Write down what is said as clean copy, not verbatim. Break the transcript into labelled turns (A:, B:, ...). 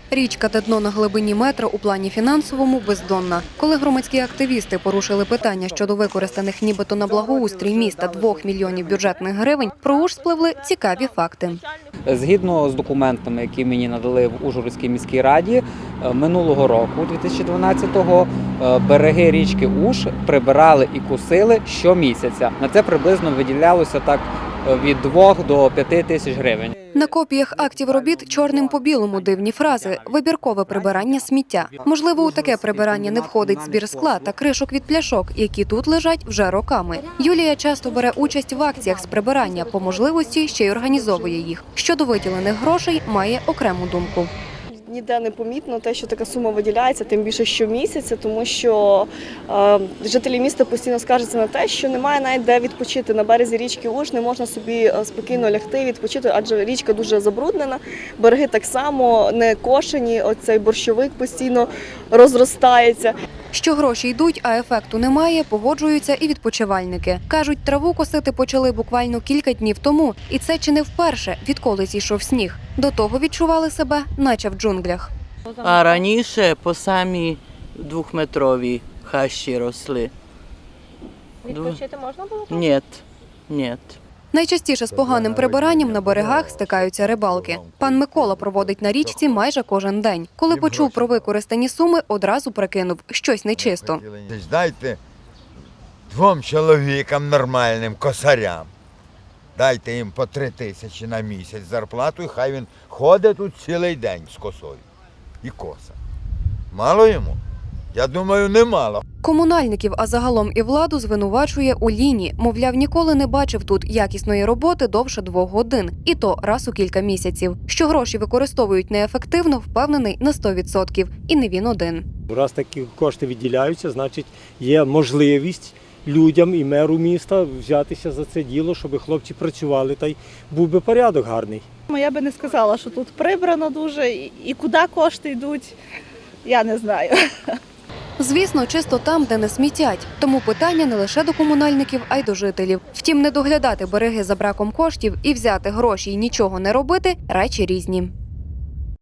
A: Річка та дно на глибині метра у плані фінансовому бездонна. Коли громадські активісти порушили питання щодо використаних нібито на благоустрій міста 2 мільйонів бюджетних гривень, про Уж спливли цікаві факти.
B: Згідно з документами, які мені надали в Ужгородській міській раді, минулого року, 2012-го, береги річки Уж прибирали і косили щомісяця. На це приблизно виділялося так від 2 до 5 тисяч гривень.
A: На копіях актів робіт чорним по білому дивні фрази «вибіркове прибирання сміття». Можливо, у таке прибирання не входить збір скла та кришок від пляшок, які тут лежать вже роками. Юлія часто бере участь в акціях з прибирання, по можливості ще й організовує їх. Щодо виділених грошей, має окрему думку.
C: Ніде не помітно те, що така сума виділяється, тим більше щомісяця, тому що жителі міста постійно скаржаться на те, що немає навіть де відпочити. На березі річки Уж не можна собі спокійно лягти, відпочити, адже річка дуже забруднена, береги так само не кошені, оцей борщовик постійно розростається.
A: Що гроші йдуть, а ефекту немає, погоджуються і відпочивальники. Кажуть, траву косити почали буквально кілька днів тому. І це чи не вперше, відколи зійшов сніг. До того відчували себе, наче в джунглях.
D: А раніше по самі 2-метрові хащі росли.
C: Відпочити можна було?
D: Ні.
A: Найчастіше з поганим прибиранням на берегах стикаються рибалки. Пан Микола проводить на річці майже кожен день. Коли почув про використані суми, одразу прикинув – щось нечисто.
E: Дайте 2 чоловікам нормальним, косарям. Дайте їм по 3 тисячі на місяць зарплату, і хай він ходить тут цілий день з косою. І коса. Мало йому? Я думаю, немало.
A: Комунальників, а загалом і владу звинувачує у ліні. Мовляв, ніколи не бачив тут якісної роботи довше 2 годин. І то раз у кілька місяців. Що гроші використовують неефективно, впевнений на 100%. І не він один.
F: Раз такі кошти відділяються, значить є можливість людям і меру міста взятися за це діло, щоб хлопці працювали, та й був би порядок гарний.
G: Я би не сказала, що тут прибрано дуже, і куди кошти йдуть, я не знаю.
A: Звісно, чисто там, де не смітять. Тому питання не лише до комунальників, а й до жителів. Втім, не доглядати береги за браком коштів і взяти гроші і нічого не робити – речі різні.